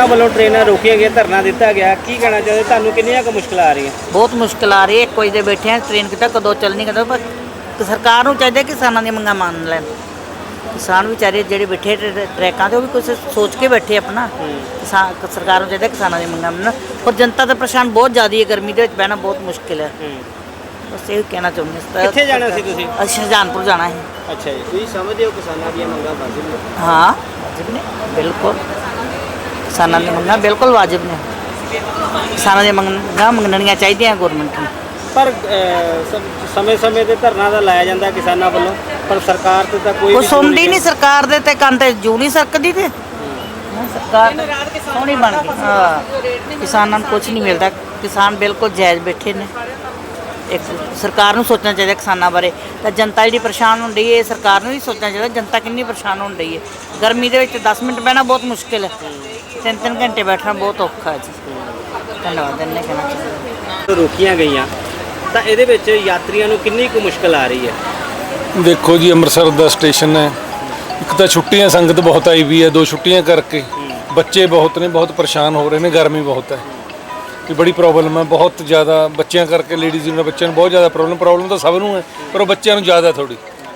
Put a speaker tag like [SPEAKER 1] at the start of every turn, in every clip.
[SPEAKER 1] ਵੱਲੋਂ ਟ੍ਰੇਨਾਂ ਰੋਕੀਆਂ ਗਈਆਂ, ਧਰਨਾ ਦਿੱਤਾ ਗਿਆ, ਕੀ ਕਹਿਣਾ ਚਾਹੁੰਦੇ? ਤੁਹਾਨੂੰ ਕਿੰਨੀਆਂ ਕੁ ਮੁਸ਼ਕਲਾਂ ਆ ਰਹੀਆਂ?
[SPEAKER 2] ਬਹੁਤ ਮੁਸ਼ਕਿਲ ਆ ਰਹੀ ਹੈ। 1 ਵਜੇ ਦੇ ਬੈਠੇ ਆ, ਟ੍ਰੇਨ ਕਿਤਾ ਕਦੋਂ ਚੱਲਣੀ ਕਦੋਂ, ਪਰ ਸਰਕਾਰ ਨੂੰ ਚਾਹੀਦਾ ਕਿਸਾਨਾਂ ਦੀਆਂ ਮੰਗਾਂ ਮੰਨ ਲੈਣ। ਕਿਸਾਨ ਵਿਚਾਰੇ ਜਿਹੜੇ ਬੈਠੇ ਟਰੈਕਾਂ 'ਤੇ ਉਹ ਵੀ ਕੁਛ ਸੋਚ ਕੇ ਬੈਠੇ ਆਪਣਾ। ਸਰਕਾਰ ਨੂੰ ਚਾਹੀਦਾ ਕਿਸਾਨਾਂ ਦੀਆਂ ਮੰਗਾਂ ਮੰਨਣ। ਪਰ ਜਨਤਾ ਦਾ ਪਰੇਸ਼ਾਨ ਬਹੁਤ ਜ਼ਿਆਦਾ ਹੈ, ਗਰਮੀ ਦੇ ਵਿੱਚ ਬਹਿਣਾ ਬਹੁਤ ਮੁਸ਼ਕਿਲ ਹੈ। ਬਸ ਇਹ ਕਹਿਣਾ ਚਾਹੁੰਦੇ।
[SPEAKER 1] ਕਿੱਥੇ ਜਾਣਾ ਸੀ ਤੁਸੀਂ?
[SPEAKER 2] ਅਸੀਂ ਸ਼ਾਹਜਹਾਨਪੁਰ ਜਾਣਾ ਹੈ।
[SPEAKER 1] ਅੱਛਾ ਜੀ, ਤੁਸੀਂ ਸਮਝਦੇ ਹੋ ਕਿਸਾਨਾਂ ਦੀਆਂ ਮੰਗਾਂ ਵਾਜਿਬ ਨੇ?
[SPEAKER 2] ਹਾਂ ਵਾਜਿਬ ਨੇ, ਬਿਲਕੁਲ ਕਿਸਾਨਾਂ ਦੀਆਂ ਮੰਗਾਂ ਬਿਲਕੁਲ ਵਾਜਿਬ ਨੇ। ਕਿਸਾਨਾਂ ਦੀਆਂ ਮੰਗਾਂ ਮੰਗਣੀਆਂ ਚਾਹੀਦੀਆਂ ਗੌਰਮੈਂਟ ਨੂੰ।
[SPEAKER 1] ਪਰ ਸਮੇਂ-ਸਮੇਂ ਤੇ ਧਰਨਾ ਤਾਂ ਲਾਇਆ ਜਾਂਦਾ ਕਿਸਾਨਾਂ ਵੱਲੋਂ, ਪਰ ਸਰਕਾਰ ਤੇ ਤਾਂ ਕੋਈ
[SPEAKER 2] ਸੁਣਦੀ ਨਹੀਂ। ਸਰਕਾਰ ਦੇ ਤੇ ਕੰਨ ਤੇ ਜੂ ਨਹੀਂ ਸਰਕਦੀ। ਤੇ ਸਰਕਾਰ ਸੋਹਣੀ ਬਣ ਗਈ। ਹਾਂ, ਕਿਸਾਨਾਂ ਨੂੰ ਕੁਝ ਨਹੀਂ ਮਿਲਦਾ। ਕਿਸਾਨ ਬਿਲਕੁਲ ਜਾਇਜ਼ ਬੈਠੇ ਨੇ। ਇੱਕ ਸਰਕਾਰ ਨੂੰ ਸੋਚਣਾ ਚਾਹੀਦਾ ਕਿਸਾਨਾਂ ਬਾਰੇ। ਤਾਂ ਜਨਤਾ ਜਿਹੜੀ ਪਰੇਸ਼ਾਨ ਹੋਣ ਡਈ ਹੈ, ਸਰਕਾਰ ਨੂੰ ਵੀ ਸੋਚਣਾ ਚਾਹੀਦਾ ਜਨਤਾ ਕਿੰਨੀ ਪਰੇਸ਼ਾਨ ਹੋਣ ਡਈ ਹੈ। ਗਰਮੀ ਦੇ ਵਿੱਚ 10 ਮਿੰਟ ਬਹਿਣਾ ਬਹੁਤ ਮੁਸ਼ਕਿਲ ਹੈ, 3-3 ਘੰਟੇ ਬੈਠਣਾ ਬਹੁਤ ਔਖਾ ਹੈ ਜੀ। ਧੰਨਵਾਦ। ਇੰਨੇ ਕਹਿਣਾ ਚਾਹੀਦਾ।
[SPEAKER 1] ਰੋਕੀਆਂ ਗਈਆਂ ਤਾਂ ਇਹਦੇ ਵਿੱਚ ਯਾਤਰੀਆਂ ਨੂੰ ਕਿੰਨੀ ਕੁ ਮੁਸ਼ਕਲ ਆ ਰਹੀ ਹੈ?
[SPEAKER 3] ਦੇਖੋ ਜੀ, ਅੰਮ੍ਰਿਤਸਰ ਦਾ ਸਟੇਸ਼ਨ ਹੈ। ਇੱਕ ਤਾਂ ਛੁੱਟੀਆਂ ਸੰਗਤ ਬਹੁਤ ਆਈ ਵੀ ਹੈ, 2 ਛੁੱਟੀਆਂ ਕਰਕੇ ਬੱਚੇ ਬਹੁਤ ਨੇ, ਬਹੁਤ ਪਰੇਸ਼ਾਨ ਹੋ ਰਹੇ ਨੇ। ਗਰਮੀ ਬਹੁਤ ਹੈ, ਇਹ ਬੜੀ ਪ੍ਰੋਬਲਮ ਹੈ, ਬਹੁਤ ਜ਼ਿਆਦਾ। ਬੱਚਿਆਂ ਕਰਕੇ, ਲੇਡੀਜ਼ ਨੂੰ, ਬੱਚਿਆਂ ਨੂੰ ਬਹੁਤ ਜ਼ਿਆਦਾ ਪ੍ਰੋਬਲਮ ਤਾਂ ਸਭ ਨੂੰ ਹੈ, ਪਰ ਉਹ ਬੱਚਿਆਂ ਨੂੰ ਜ਼ਿਆਦਾ ਥੋੜੀ।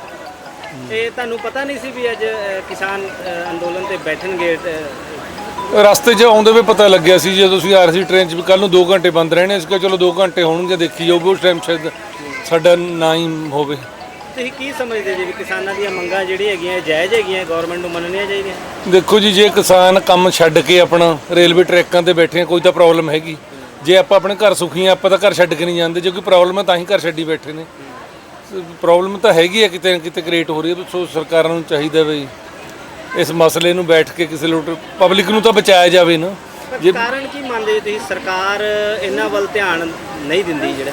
[SPEAKER 1] ਇਹ ਤੁਹਾਨੂੰ ਪਤਾ ਨਹੀਂ ਸੀ ਵੀ ਅੱਜ ਕਿਸਾਨ ਅੰਦੋਲਨ ਤੇ ਬੈਠਣਗੇ?
[SPEAKER 3] ਰਸਤੇ 'ਚ ਆਉਂਦੇ ਵੀ ਪਤਾ ਲੱਗਿਆ ਸੀ, ਜਦੋਂ ਤੁਸੀਂ ਆ ਰਹੇ ਸੀ ਟ੍ਰੇਨ 'ਚ, ਵੀ ਕੱਲ੍ਹ ਨੂੰ 2 ਘੰਟੇ ਬੰਦ ਰਹਿਣੇ। ਇਸ ਕਰਕੇ ਚਲੋ 2 ਘੰਟੇ ਹੋਣਗੇ, ਦੇਖੀ ਜਾਊਗੀ। ਉਸ ਟਾਈਮ ਸ਼ਾਇਦ ਸਾਡਾ ਨਾ ਹੀ ਹੋਵੇ।
[SPEAKER 1] ਤੁਸੀਂ ਕੀ ਸਮਝਦੇ ਜੀ ਵੀ ਕਿਸਾਨਾਂ ਦੀਆਂ ਮੰਗਾਂ ਜਿਹੜੀਆਂ ਹੈਗੀਆਂ ਜਾਇਜ਼ ਹੈਗੀਆਂ, ਗਵਰਨਮੈਂਟ ਨੂੰ ਮੰਨਣੀਆਂ ਚਾਹੀਦੀਆਂ?
[SPEAKER 3] ਦੇਖੋ ਜੀ, ਜੇ ਕਿਸਾਨ ਕੰਮ ਛੱਡ ਕੇ ਆਪਣਾ ਰੇਲਵੇ ਟਰੈਕਾਂ ਤੇ ਬੈਠੇ ਆ, ਕੋਈ ਤਾਂ ਪ੍ਰੋਬਲਮ ਹੈਗੀ। ਜੇ ਆਪਾਂ ਆਪਣੇ ਘਰ ਸੁਖੀ ਆ, ਆਪਾਂ ਤਾਂ ਘਰ ਛੱਡ ਕੇ ਨਹੀਂ ਜਾਂਦੇ। ਜੇ ਕੋਈ ਪ੍ਰੋਬਲਮ ਹੈ ਤਾਂ ਹੀ ਘਰ ਛੱਡੀ ਬੈਠੇ ਨੇ। ਪ੍ਰੋਬਲਮ ਤਾਂ ਹੈਗੀ ਹੈ, ਕਿਤੇ ਨਾ ਕਿਤੇ ਕ੍ਰੀਏਟ ਹੋ ਰਹੀ ਹੈ। ਸੋ ਸਰਕਾਰਾਂ ਨੂੰ ਚਾਹੀਦਾ ਵੀ ਇਸ ਮਸਲੇ ਨੂੰ ਬੈਠ ਕੇ ਕਿਸੇ ਪਬਲਿਕ ਨੂੰ ਤਾਂ ਬਚਾਇਆ ਜਾਵੇ ਨਾ।
[SPEAKER 1] ਜੇ ਕਾਰਨ ਕੀ ਮੰਨਦੇ ਤੁਸੀਂ ਸਰਕਾਰ ਇਹਨਾਂ ਵੱਲ ਧਿਆਨ ਨਹੀਂ ਦਿੰਦੀ? ਜਿਹੜਾ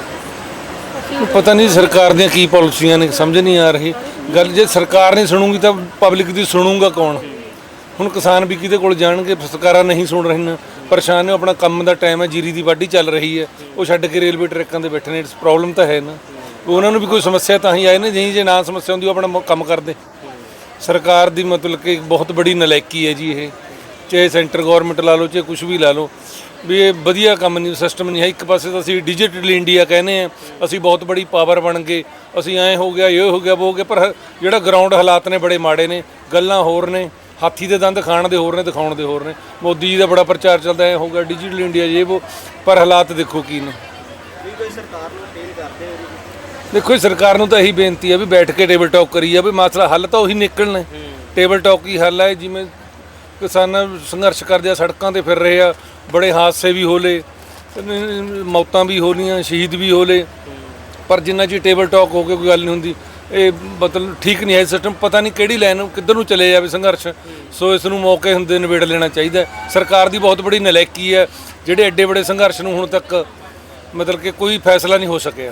[SPEAKER 3] ਪਤਾ ਨਹੀਂ ਸਰਕਾਰ ਦੀਆਂ ਕੀ ਪਾਲਿਸੀਆਂ ਨੇ, ਸਮਝ ਨਹੀਂ ਆ ਰਹੀ ਗੱਲ। ਜੇ ਸਰਕਾਰ ਨਹੀਂ ਸੁਣੂਗੀ ਤਾਂ ਪਬਲਿਕ ਦੀ ਸੁਣੂਗਾ ਕੌਣ? ਹੁਣ ਕਿਸਾਨ ਵੀ ਕਿਹਦੇ ਕੋਲ ਜਾਣਗੇ? ਸਰਕਾਰਾਂ ਨਹੀਂ ਸੁਣ ਰਹੀਆਂ, ਪਰੇਸ਼ਾਨ ਨੇ। ਆਪਣਾ ਕੰਮ ਦਾ ਟਾਈਮ ਹੈ, ਜੀਰੀ ਦੀ ਵਾਢੀ ਚੱਲ ਰਹੀ ਹੈ, ਉਹ ਛੱਡ ਕੇ ਰੇਲਵੇ ਟਰੈਕਾਂ 'ਤੇ ਬੈਠੇ ਨੇ। ਪ੍ਰੋਬਲਮ ਤਾਂ ਹੈ ਨਾ। ਉਹਨਾਂ ਨੂੰ ਵੀ ਕੋਈ ਸਮੱਸਿਆ ਤਾਂ ਹੀ ਆਏ ਨੇ। ਨਹੀਂ, ਜੇ ਨਾ ਸਮੱਸਿਆ ਹੁੰਦੀ ਉਹ ਆਪਣਾ ਕੰਮ ਕਰਦੇ। ਸਰਕਾਰ ਦੀ ਮਤਲਬ ਕਿ ਬਹੁਤ ਬੜੀ ਨਲਾਇਕੀ ਹੈ ਜੀ ਇਹ। ਚਾਹੇ ਸੈਂਟਰ ਗੌਰਮੈਂਟ ਲਾ ਲਓ, ਚਾਹੇ ਕੁਛ ਵੀ ਲਾ ਲਓ, ਵੀ ਇਹ ਵਧੀਆ ਕੰਮ ਨਹੀਂ, ਸਿਸਟਮ ਨਹੀਂ ਹੈ। ਇੱਕ ਪਾਸੇ ਤਾਂ ਅਸੀਂ ਡਿਜੀਟਲ ਇੰਡੀਆ ਕਹਿੰਦੇ ਹਾਂ, ਅਸੀਂ ਬਹੁਤ ਬੜੀ ਪਾਵਰ ਬਣ ਗਏ, ਅਸੀਂ ਐਂ ਹੋ ਗਿਆ, ਇਹ ਹੋ ਗਿਆ, ਉਹ ਹੋ ਗਿਆ। ਪਰ ਜਿਹੜਾ ਗਰਾਊਂਡ ਹਾਲਾਤ ਨੇ ਬੜੇ ਮਾੜੇ ਨੇ। ਗੱਲਾਂ ਹੋਰ ਨੇ, ਹਾਥੀ ਦੇ ਦੰਦ ਖਾਣ ਦੇ ਹੋਰ ਨੇ, ਦਿਖਾਉਣ ਦੇ ਹੋਰ ਨੇ। ਮੋਦੀ ਜੀ ਦਾ ਬੜਾ ਪ੍ਰਚਾਰ ਚੱਲਦਾ, ਐਂ ਹੋ ਗਿਆ ਡਿਜੀਟਲ ਇੰਡੀਆ ਜੇ ਉਹ, ਪਰ ਹਾਲਾਤ ਦੇਖੋ ਕੀ ਨੇ।
[SPEAKER 1] ਸਰਕਾਰ ਨੂੰ ਅਪੀਲ ਕਰਦੇ ਹੋ?
[SPEAKER 3] ਦੇਖੋ, ਸਰਕਾਰ ਨੂੰ ਤਾਂ ਇਹੀ ਬੇਨਤੀ ਹੈ ਵੀ ਬੈਠ ਕੇ ਟੇਬਲ ਟਾਕ ਕਰੀ ਜਾਵੇ। ਮਸਲਾ ਹੱਲ ਤਾਂ ਉਹੀ ਨਿਕਲਣਾ। ਟੇਬਲ ਟਾਕ ਹੀ ਹੱਲ ਹੈ। ਜਿਵੇਂ ਕਿਸਾਨ ਸੰਘਰਸ਼ ਕਰਦੇ ਆ, ਸੜਕਾਂ 'ਤੇ ਫਿਰ ਰਹੇ ਆ, ਬੜੇ ਹਾਦਸੇ ਵੀ ਹੋ ਲਏ, ਮੌਤਾਂ ਵੀ ਹੋ ਲਈਆਂ, ਸ਼ਹੀਦ ਵੀ ਹੋ ਲਏ, ਪਰ ਜਿੰਨਾ ਚਿਰ ਟੇਬਲ ਟਾਕ ਹੋ ਕੇ ਕੋਈ ਗੱਲ ਨਹੀਂ ਹੁੰਦੀ। ਇਹ ਮਤਲਬ ਠੀਕ ਨਹੀਂ ਹੈ ਸਿਸਟਮ। ਪਤਾ ਨਹੀਂ ਕਿਹੜੀ ਲਾਈਨ ਕਿੱਧਰ ਨੂੰ ਚਲੇ ਜਾਵੇ ਸੰਘਰਸ਼। ਸੋ ਇਸ ਨੂੰ ਮੌਕੇ ਹੁੰਦੇ ਨਿਬੇੜ ਲੈਣਾ ਚਾਹੀਦਾ। ਸਰਕਾਰ ਦੀ ਬਹੁਤ ਬੜੀ ਨਲਾਇਕੀ ਹੈ, ਜਿਹੜੇ ਐਡੇ ਬੜੇ ਸੰਘਰਸ਼ ਨੂੰ ਹੁਣ ਤੱਕ ਮਤਲਬ ਕਿ ਕੋਈ ਫੈਸਲਾ ਨਹੀਂ ਹੋ ਸਕਿਆ।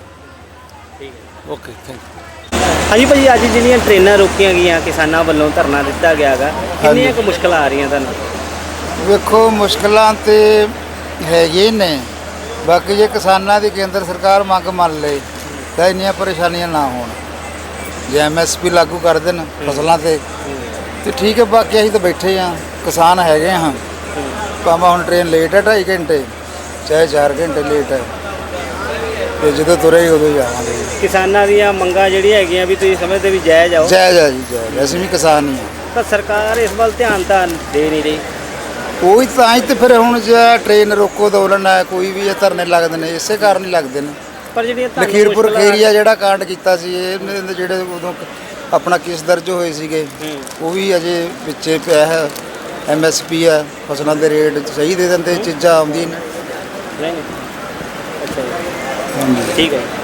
[SPEAKER 3] Okay, thank you.
[SPEAKER 1] ਹਾਂਜੀ ਭਾਜੀ, ਅੱਜ ਜਿਹੜੀਆਂ ਟ੍ਰੇਨਾਂ ਰੋਕੀਆਂ ਗਈਆਂ ਕਿਸਾਨਾਂ ਵੱਲੋਂ, ਧਰਨਾ ਦਿੱਤਾ ਗਿਆ ਹੈਗਾ, ਕਿੰਨੀਆਂ ਕੁ ਮੁਸ਼ਕਲਾਂ ਆ ਰਹੀਆਂ ਤੁਹਾਨੂੰ?
[SPEAKER 4] ਵੇਖੋ, ਮੁਸ਼ਕਲਾਂ ਤੇ ਹੈਗੇ ਨੇ। ਬਾਕੀ ਜੇ ਕਿਸਾਨਾਂ ਦੀ ਕੇਂਦਰ ਸਰਕਾਰ ਮੰਗ ਮੰਨ ਲਏ ਤਾਂ ਇੰਨੀਆਂ ਪਰੇਸ਼ਾਨੀਆਂ ਨਾ ਹੋਣ। ਜੇ MSP ਲਾਗੂ ਕਰ ਦੇਣ ਫਸਲਾਂ ਤੇ ਠੀਕ ਹੈ। ਬਾਕੀ ਅਸੀਂ ਤਾਂ ਬੈਠੇ ਹਾਂ, ਕਿਸਾਨ ਹੈਗੇ ਹਾਂ। ਭਾਵੇਂ ਹੁਣ ਟ੍ਰੇਨ ਲੇਟ ਹੈ 2.5 ਘੰਟੇ, ਚਾਹੇ 4 ਘੰਟੇ ਲੇਟ ਹੈ, ਤੇ ਜਦੋਂ ਤੁਰੇ ਉਦੋਂ ਜਾਵਾਂਗੇ।
[SPEAKER 1] ਕਿਸਾਨਾਂ ਦੀਆਂ ਮੰਗਾਂ ਜਿਹੜੀਆਂ ਹੈਗੀਆਂ ਵੀ ਤੁਸੀਂ ਸਮਝਦੇ ਵੀ ਜਾਇਜ਼ ਆਓ?
[SPEAKER 4] ਜਾਇਜ਼ ਆ ਜੀ, ਜਾਇਜ਼। ਅਸੀਂ ਵੀ ਕਿਸਾਨ ਹੀ ਹਾਂ।
[SPEAKER 1] ਤਾਂ ਸਰਕਾਰ ਇਸ ਵੱਲ ਧਿਆਨ ਤਾਂ ਦੇ ਨਹੀਂ ਰਹੀ।
[SPEAKER 4] ਉਹੀ ਤਾਂ ਹੀ ਤੇ ਫਿਰ ਹੁਣ ਜੇ ਟ੍ਰੇਨ ਰੋਕੋ ਅੰਦੋਲਨ ਹੈ, ਕੋਈ ਵੀ ਇਹ ਧਰਨੇ ਲੱਗਦੇ ਨੇ, ਇਸੇ ਕਾਰਨ ਹੀ ਲੱਗਦੇ ਨੇ।
[SPEAKER 1] ਪਰ ਜਿਹੜੀਆਂ
[SPEAKER 4] ਲਖੀਰਪੁਰ ਖੀਰੀਆ ਜਿਹੜਾ ਕਾਂਡ ਕੀਤਾ ਸੀ, ਇਹ ਜਿਹੜੇ ਉਦੋਂ ਆਪਣਾ ਕੇਸ ਦਰਜ ਹੋਏ ਸੀਗੇ, ਉਹ ਵੀ ਅਜੇ ਪਿੱਛੇ ਪਿਆ ਹੈ। MSP ਹੈ, ਫਸਲਾਂ ਦੇ ਰੇਟ ਸਹੀ ਦੇ ਦਿੰਦੇ, ਚੀਜ਼ਾਂ ਆਉਂਦੀਆਂ ਨੇ।
[SPEAKER 1] ਅੱਛਾ ਜੀ, ਠੀਕ ਹੈ।